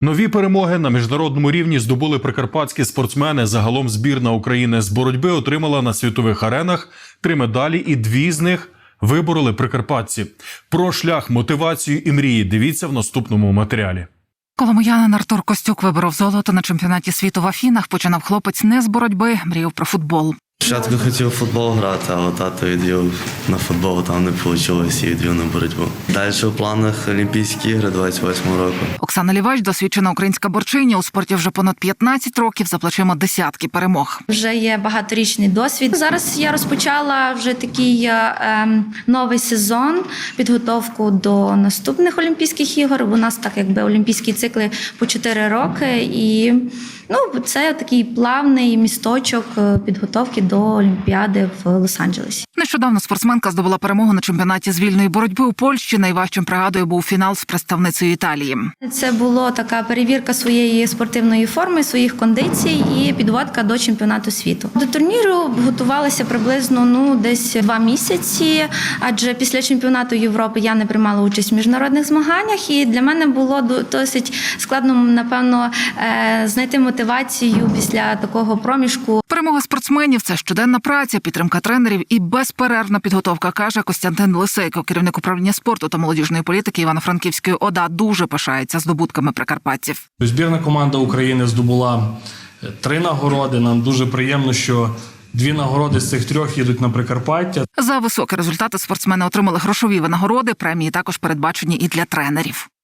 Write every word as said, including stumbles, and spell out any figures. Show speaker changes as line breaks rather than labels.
Нові перемоги на міжнародному рівні здобули прикарпатські спортсмени. Загалом збірна України з боротьби отримала на світових аренах три медалі, і дві з них вибороли прикарпатці. Про шлях, мотивацію і мрії дивіться в наступному матеріалі.
Коломиянин Артур Костюк виборов золото на чемпіонаті світу в Афінах. Починав хлопець не з боротьби, мріяв про футбол.
Спочатку хотів у футбол грати, але тато відвів на футбол, там не вийшло і відвів на боротьбу. Далі у планах Олімпійські ігри двадцять восьмого року.
Оксана Лівач – досвідчена українська борчиня. У спорті вже понад п'ятнадцять років, за плечима десятки перемог.
Вже є багаторічний досвід. Зараз я розпочала вже такий е, новий сезон, підготовку до наступних Олімпійських ігор. У нас так якби олімпійські цикли по чотири роки. І ну, це такий плавний місточок підготовки до Олімпіади в Лос-Анджелесі.
Нещодавно спортсменка здобула перемогу на чемпіонаті з вільної боротьби у Польщі. Найважчим, пригадую, був фінал з представницею Італії.
Це була така перевірка своєї спортивної форми, своїх кондицій і підводка до чемпіонату світу. До турніру готувалася приблизно ну десь два місяці, адже після чемпіонату Європи я не приймала участь в міжнародних змаганнях, і для мене було досить складно, напевно, знайти мотивацію після такого проміжку.
Перемога спортсменів – це щоденна праця, підтримка тренерів і безперервна підготовка, каже Костянтин Лисейко, керівник управління спорту та молодіжної політики Івано-Франківської ОДА. Дуже пишається здобутками прикарпатців.
Збірна команда України здобула три нагороди. Нам дуже приємно, що дві нагороди з цих трьох їдуть на Прикарпаття.
За високі результати спортсмени отримали грошові винагороди, премії також передбачені і для тренерів.